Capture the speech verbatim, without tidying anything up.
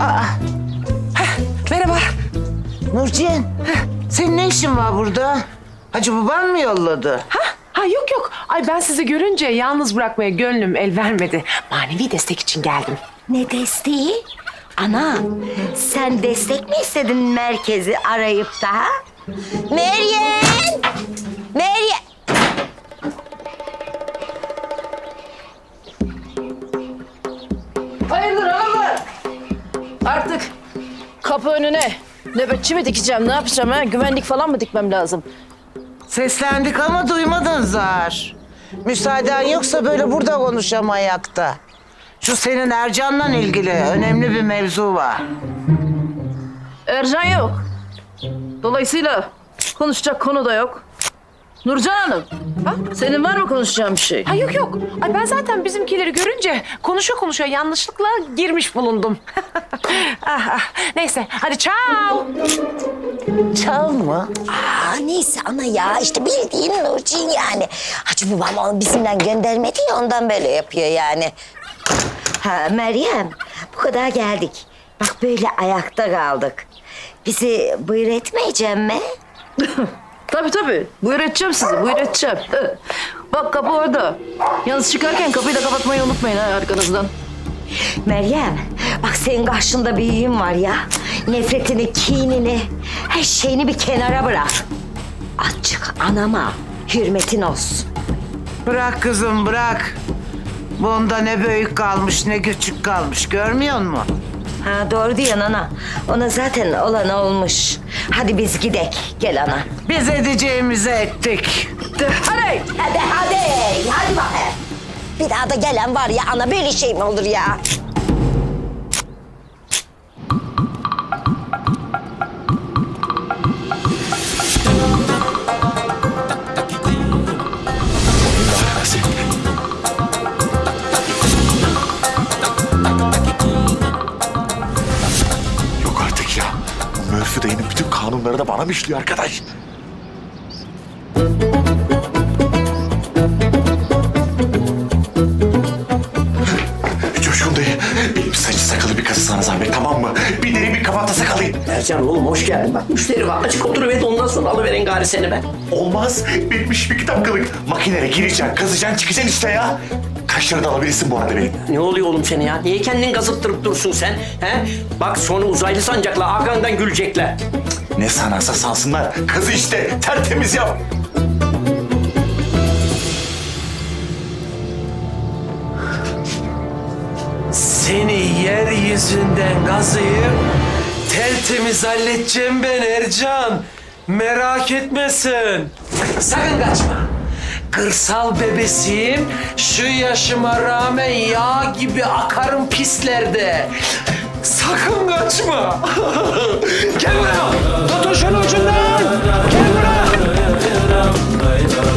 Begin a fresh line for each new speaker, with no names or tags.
Aa.
Heh, merhaba.
Nurciğim, senin ne işin var burada? Hacı baban mı yolladı?
Ha? Ha yok yok. Ay ben sizi görünce yalnız bırakmaya gönlüm el vermedi. Manevi destek için geldim.
Ne desteği? Ana, sen destek mi istedin merkezi arayıp da? Ha? Meryem! Meryem!
Hayırdır ağalar? Artık kapı önüne nöbetçi mi dikeceğim, ne yapacağım ha? Güvenlik falan mı dikmem lazım?
Seslendik ama duymadın zar. Müsaaden yoksa böyle burada konuşam ayakta. Şu senin Ercan'la ilgili önemli bir mevzu var.
Ercan yok. Dolayısıyla konuşacak konu da yok. Nurcan Hanım,
Ha?
senin var mı konuşacağın bir şey?
Ha yok yok. Ay ben zaten bizimkileri görünce konuşa konuşa yanlışlıkla girmiş bulundum. ah, ah. Neyse hadi çao.
Çal mı?
Aa, neyse ana ya, işte bildiğin Nurciğin yani. Hacı babam onu bizimle göndermedi ya, ondan böyle yapıyor yani. Ha Meryem, bu kadar geldik. Bak böyle ayakta kaldık. Bizi buyur etmeyecek mi?
Tabii tabii. Buyur edeceğim sizi, buyur edeceğim. Bak kapı orada. Yalnız çıkarken kapıyı da kapatmayı unutmayın ha arkanızdan.
Meryem, bak senin karşında bir büyüğün var ya. Nefretini, kinini, her şeyini bir kenara bırak. Azıcık anama hürmetin olsun.
Bırak kızım bırak. Bunda ne büyük kalmış ne küçük kalmış görmüyor musun?
Ha doğru diyorsun ana. Ona zaten olan olmuş. Hadi biz gidek. Gel ana.
Biz edeceğimizi ettik.
Hadi. Hadi hadi. Hadi bakayım. Bir daha da gelen var ya ana, böyle şey mi olur ya?
Yok artık ya. Murphy dayının bütün kanunları da bana mı işliyor arkadaş? Coşkun dayı, benim saçı sakalı bir kası sana zahmet, tamam mı? Bir deri bir kabata sakalayın.
Ercan oğlum hoş geldin. Bak müşteri var. Açık oturuver, ondan sonra alıverin gari seni ben.
Olmaz, benim işim iki dakikalık. Makinere gireceksin, kazıyacaksın, çıkacaksın işte ya. Kaç lira da alabilirsin bu arada benim?
Ne oluyor oğlum seni ya? Niye kendini gazıttırıp dursun sen? He? Bak sonra uzaylı sancakla arkandan gülecekler.
Ne sanarsa sansınlar, kazı işte, tertemiz yap.
Seni yeryüzünden gazıyıp tertemiz halledeceğim ben Ercan. Merak etmesin. Sakın kaçma. Kırsal bebesiyim. Şu yaşıma rağmen yağ gibi akarım pislerde. Sakın kaçma. Gel buraya. Tutun şunu ucundan. Gel buraya.